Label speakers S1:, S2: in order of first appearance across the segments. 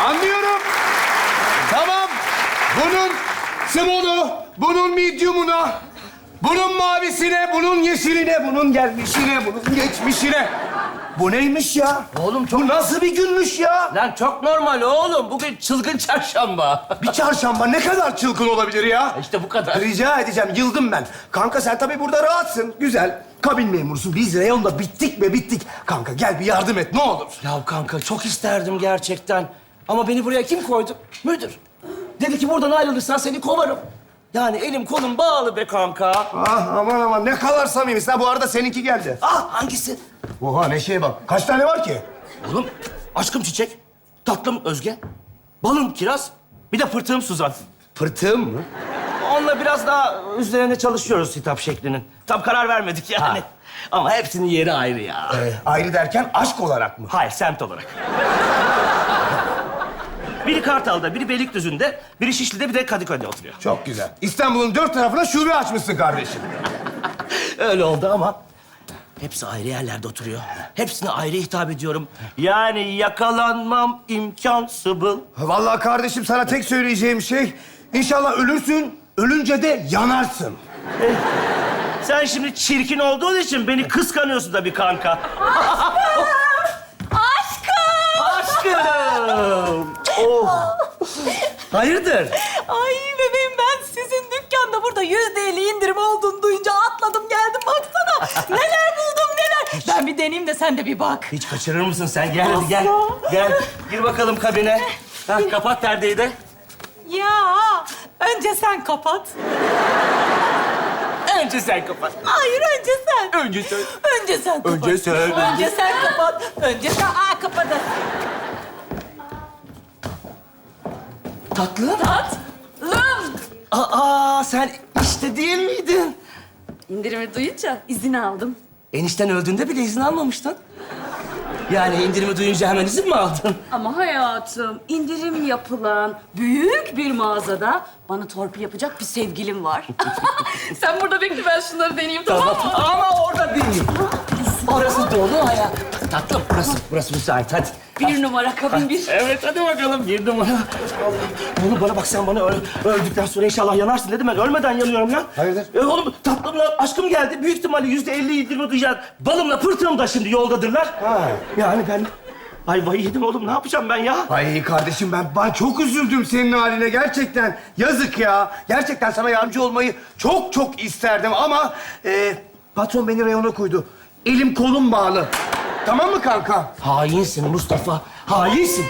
S1: Anlıyorum. Tamam. Bunun small'u, bunun medium'una, bunun mavisine, bunun yeşiline, bunun gelmişine, bunun geçmişine. Bu neymiş ya?
S2: Oğlum çok...
S1: Bu nasıl bir günmüş ya?
S2: Lan çok normal oğlum. Bugün çılgın çarşamba.
S1: Bir çarşamba ne kadar çılgın olabilir ya?
S2: İşte bu kadar.
S1: Rica edeceğim, yıldım ben. Kanka sen tabii burada rahatsın, güzel. Kabin memurusun. Biz reyonda bittik be bittik. Kanka gel bir yardım et ne olur.
S2: Ya kanka çok isterdim gerçekten. Ama beni buraya kim koydu? Müdür. Dedi ki buradan ayrılırsan seni kovarım. Yani elim kolum bağlı be kanka.
S1: Ah aman aman ne kadar samimisin. Ha bu arada seninki geldi.
S2: Ah hangisi?
S1: Oha Neşe'ye bak. Kaç tane var ki?
S2: Oğlum aşkım Çiçek, tatlım Özge, balım Kiraz, bir de pırtığım Suzan.
S1: Pırtığım mı?
S2: Onunla biraz daha üzerine çalışıyoruz hitap şeklinin. Tam karar vermedik yani. Ama hepsinin yeri ayrı ya.
S1: Ayrı derken aşk olarak mı?
S2: Hayır, semt olarak. Biri Kartal'da, biri Beylikdüzü'nde, biri Şişli'de, bir de Kadıköy'de oturuyor.
S1: Çok güzel. İstanbul'un 4 tarafına şube açmışsın kardeşim.
S2: Öyle oldu ama hepsi ayrı yerlerde oturuyor. Hepsine ayrı hitap ediyorum. Yani yakalanmam imkansız.
S1: Vallahi kardeşim sana tek söyleyeceğim şey... İnşallah ölürsün, ölünce de yanarsın.
S2: Sen şimdi çirkin olduğun için beni kıskanıyorsun da bir kanka. Aşkım! Oh! Hayırdır?
S3: Ay bebeğim ben sizin dükkanda burada %50 indirim olduğunu duyunca atladım geldim baksana. Neler buldum neler. Ben bir deneyeyim de sen de bir bak.
S2: Hiç kaçırır mısın sen? Gel hadi gel. Gel. Gir bakalım kabine. Ha, kapat perdeyi de.
S3: Ya önce sen kapat.
S2: Önce sen kapat.
S3: Hayır önce sen.
S2: Önce sen.
S3: Önce sen kapat.
S2: Önce sen.
S3: Önce sen kapat. Önce sen. Kapadın.
S2: Tatlı.
S3: Tatlım.
S2: Aa sen işte değil miydin?
S3: İndirimi duyunca izin aldım.
S2: Enişten öldüğünde bile izin almamıştın. Yani indirimi duyunca hemen izin mi aldın?
S4: Ama hayatım, indirim yapılan büyük bir mağazada bana torpil yapacak bir sevgilim var. Sen burada bekle, ben şunları deneyeyim, tamam mı?
S2: Ama orada değil. Orası dolu hayat. Tatlım burası müsait hadi.
S4: Bir numara kabin bir.
S2: Evet hadi bakalım bir numara. Oğlum bana bak sen bana öldükten sonra inşallah yanarsın dedim ben. Ölmeden yanıyorum lan.
S1: Hayırdır?
S2: Oğlum tatlımla aşkım geldi. Büyük ihtimalle %50 indirme duyacağız. Balımla pırtığım da şimdi yoldadırlar.
S1: Ha.
S2: Yani ben ayvayı yedim oğlum. Ne yapacağım ben ya?
S1: Ay kardeşim ben çok üzüldüm senin haline gerçekten. Yazık ya. Gerçekten sana yardımcı olmayı çok isterdim ama... patron beni reyona koydu. Elim kolum bağlı. Tamam mı kanka?
S2: Hainsin Mustafa. Hainsin.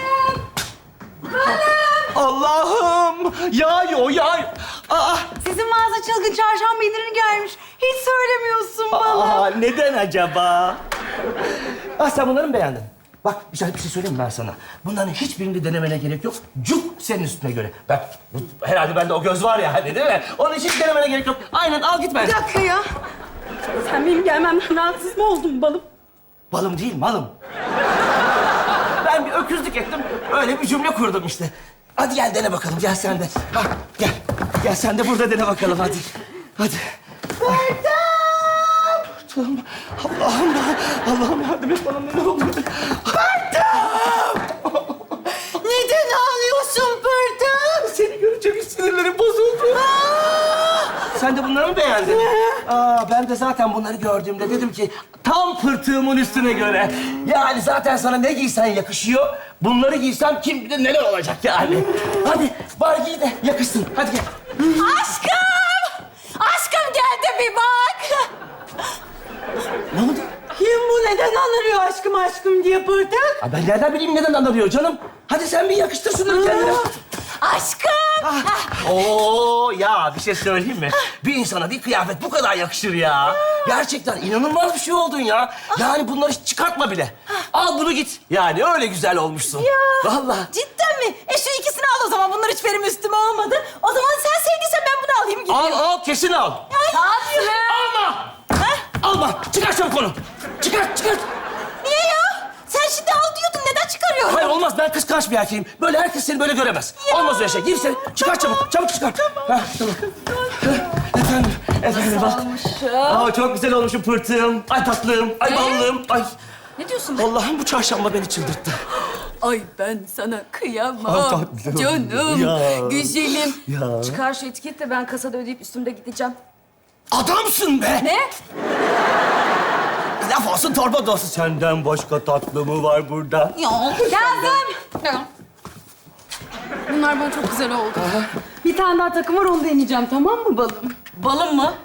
S2: Allah'ım! Yağıyor, yağıyor. Aa,
S3: Sizin mağaza çılgın çarşamba indirimi gelmiş. Hiç söylemiyorsun bana.
S2: neden acaba? Sen bunları mı beğendin? Bak, bir şey söyleyeyim mi ben sana? Bunların hiçbirini denemene gerek yok. Cuk senin üstüne göre. Bak, herhalde bende o göz var ya hani değil mi? Onun için hiç denemene gerek yok. Aynen, al git ben.
S3: Bir dakika ya.
S4: Sen benim gelmemden rahatsız mı oldun balım?
S2: Balım değil, malım. Ben bir öküzlük ettim, öyle bir cümle kurdum işte. Hadi gel dene bakalım, gel sen de. Ha, gel. Gel sen de burada dene bakalım, hadi. Hadi. Pırtım! Allah'ım yardım et bana, neler oluyor?
S3: Neden ağlıyorsun Pırtım?
S2: Seni görünce bir sinirlerim bozuldu. Sen de bunları mı beğendin? Ben de zaten bunları gördüğümde dedim ki tam pırtığımın üstüne göre. Yani zaten sana ne giysen yakışıyor. Bunları giysem kim bilir neler olacak yani. Hadi var giy de yakışsın. Hadi gel.
S3: Aşkım! Aşkım gel de bir bak.
S2: Ne oldu?
S3: Kim bu? Neden anırıyor aşkım diye Pırtım?
S2: Ben nereden bileyim neden anlıyor canım? Hadi sen bir yakıştır şunları kendine.
S3: Aşkım!
S2: Oo ya bir şey söyleyeyim mi? Bir insana bir kıyafet bu kadar yakışır ya. Gerçekten inanılmaz bir şey oldun ya. Yani bunları hiç çıkartma bile. Al bunu git. Yani öyle güzel olmuşsun.
S3: Ya.
S2: Vallahi.
S3: Cidden mi? Şu ikisini al o zaman. Bunlar hiç benim üstüme olmadı. O zaman sen sevdiysen ben bunu alayım gideyim.
S2: Al kesin al.
S3: Tatlım.
S2: Alma. Alma. Çıkar çabuk onu. Çıkar.
S3: Niye ya? Sen şimdi al diyordun. Neden çıkarıyorsun?
S2: Hayır olmaz ben kıskanç bir erkeğim. Böyle herkes seni böyle göremez. Olmaz öyle şey. Gir sen. Çıkar çabuk. Çabuk çıkar. Tamam. Efendim bak. Çok güzel olmuşum pırtığım. Ay tatlım. Ay ballım. Ay.
S4: Ne diyorsun?
S2: Allah'ım bu çarşamba beni çıldırttı.
S4: Ay ben sana
S2: Ay,
S4: kıyamam.
S2: tatlım.
S4: Canım,
S2: Ya.
S4: güzelim.
S2: Ya.
S4: Çıkar şu etiketi de ben kasada ödeyip üstümde gideceğim.
S2: Adamsın be!
S4: Ne?
S2: Laf olsun torba da olsun. Senden başka tatlı mı var burada?
S4: Kazım! Bunlar bana çok güzel oldu. Bir tane daha takım var, onu deneyeceğim. Tamam mı balım? Balım mı?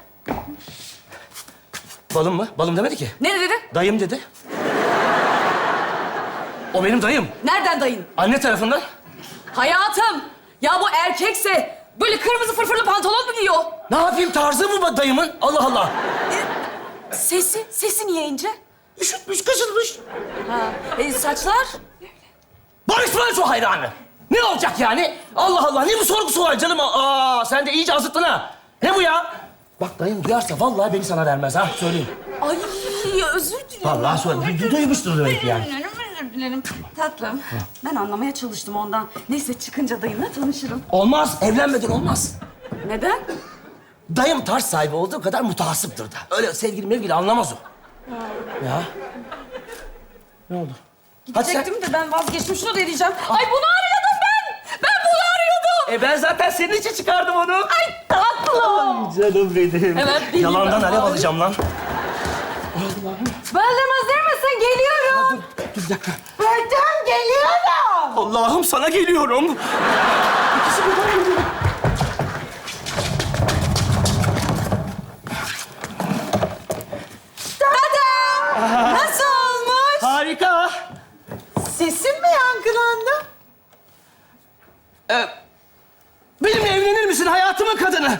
S2: Balım mı? Balım demedi ki.
S4: Ne dedi?
S2: Dayım dedi. O benim dayım.
S4: Nereden dayın?
S2: Anne tarafından.
S4: Hayatım! Ya bu erkekse böyle kırmızı fırfırlı pantolon mu giyiyor?
S2: Ne yapayım tarzı mı dayımın? Allah Allah.
S4: Sesi niye ince?
S2: Üşütmüş, kaşınmış.
S4: Ha. Saçlar?
S2: Barış Manço hayranı. Ne olacak yani? Allah Allah, ne bu sorgusu var canım? Aa, sen de iyice azıttın ha. Ne bu ya? Bak dayım duyarsa vallahi beni sana vermez ha, söyleyeyim.
S4: Ay özür dilerim.
S2: Vallahi söyleyeyim. Duymuştur demek yani.
S4: Özür dilerim. Tatlım, ben anlamaya çalıştım ondan. Neyse çıkınca dayımla tanışırım.
S2: Olmaz, evlenmeden olmaz.
S4: Neden?
S2: Dayım tarz sahibi olduğu kadar mutasiptir da. Öyle sevgili mevgili anlamaz o. Ya. Ne oldu? Hadi sen.
S4: Gidecektim de ben vazgeçtim. Şunu da diyeceğim. Ay bunu arıyordum ben. Ben bunu arıyordum.
S2: Ben zaten senin için çıkardım onu.
S4: Ay tatlım.
S2: Canım benim.
S4: Evet, bileyim
S2: Yalandan
S4: ben.
S2: alev alacağım lan.
S4: Benden hazır mısın? Geliyorum.
S2: Dur bir dakika.
S4: Bertem geliyorum.
S2: Allah'ım sana geliyorum. İkisi birden geliyor.
S3: Tada! Nasıl olmuş?
S2: Harika.
S3: Sesin mi yankılandı?
S2: Benimle evlenir misin hayatımın kadını?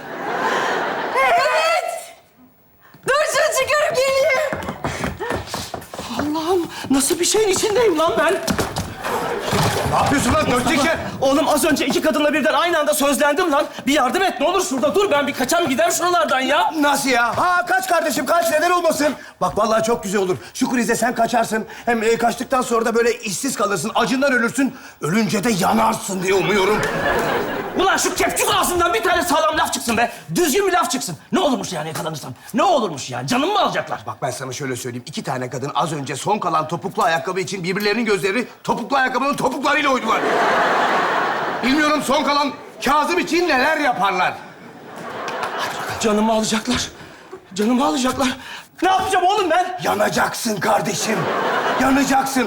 S3: Evet! Dur şunu çıkarıp geleyim.
S2: Allah'ım nasıl bir şeyin içindeyim lan ben?
S1: Ne yapıyorsun lan dört teker?
S2: Oğlum az önce iki kadınla birden aynı anda sözlendim lan. Bir yardım et ne olur şurada dur, ben bir kaçam gider şuralardan ya.
S1: Nasıl ya? Ha kaç kardeşim kaç, neden olmasın? Bak vallahi çok güzel olur. Şu krize sen kaçarsın. Hem kaçtıktan sonra da böyle işsiz kalırsın, acından ölürsün. Ölünce de yanarsın diye umuyorum.
S2: Ulan şu kepçük ağzından bir tane sağlam laf çıksın be. Düzgün bir laf çıksın. Ne olurmuş yani yakalanırsam? Ne olurmuş yani? Canımı mı alacaklar?
S1: Bak ben sana şöyle söyleyeyim. 2 tane kadın az önce son kalan topuklu ayakkabı için birbirlerinin gözleri topuklu ayakkabının topuklarıyla oydular. Bilmiyorum son kalan Kazım için neler yaparlar.
S2: Canımı alacaklar. Canımı alacaklar. Ne yapacağım oğlum ben?
S1: Yanacaksın kardeşim. Yanacaksın.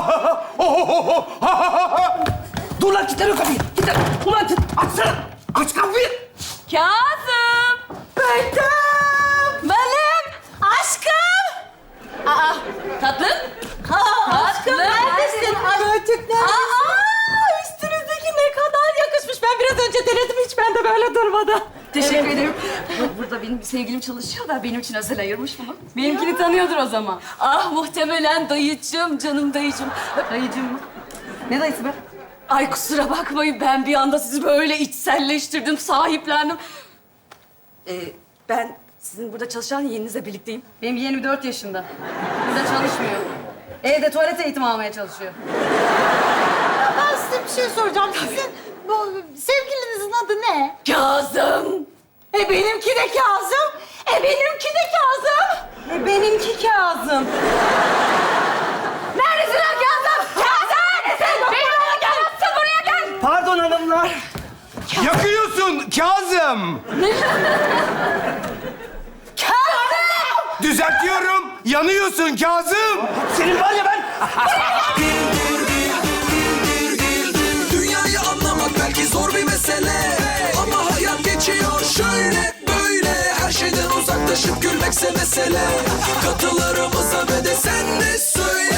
S2: Dur lan kilitleme kapıyı. Kilitle. Ulan açsana. Aç kapıyı.
S4: Kazım.
S3: Bertem! Balım! Aşkım!
S4: Aa, tatlım.
S3: Aşkım neredesin? Gölcük neredesin?
S4: Aa,
S3: Üstünüzdeki ne kadar yakışmış. Ben biraz önce denedim, hiç bende böyle durmadı.
S4: teşekkür ederim. Burada benim bir sevgilim çalışıyor da benim için özel ayırmış bunu. Benimkini tanıyordur o zaman. Ah muhtemelen dayıcığım, canım dayıcığım. Dayıcığım mı? Ne dayısı be? Ay kusura bakmayın, ben bir anda sizi böyle içselleştirdim, sahiplendim. Ben sizin burada çalışan yeğeninizle birlikteyim.
S5: Benim yeğenim 4 yaşında. Burada çalışmıyor. Evde tuvalet eğitimi almaya çalışıyor.
S3: Ben size bir şey soracağım. Sizin bu sevgilinizin adı ne?
S4: Kazım!
S3: Benimki de Kazım. Benimki de Kazım.
S5: Benimki Kazım.
S4: Neredesin lan Kazım? Kazım! Neredesin? Benimle gel! Sen buraya gel!
S2: Pardon hanımlar.
S1: Yakıyorsun Kazım.
S3: Kazım!
S1: Düzeltiyorum. Yanıyorsun Kazım.
S2: Senin var ya ben...
S6: Dünyayı anlamak belki zor bir mesele, ama hayat geçiyor şöyle böyle. Her şeyden uzaklaşıp gülmekse mesele. Katılarımıza ve de sen de söyle.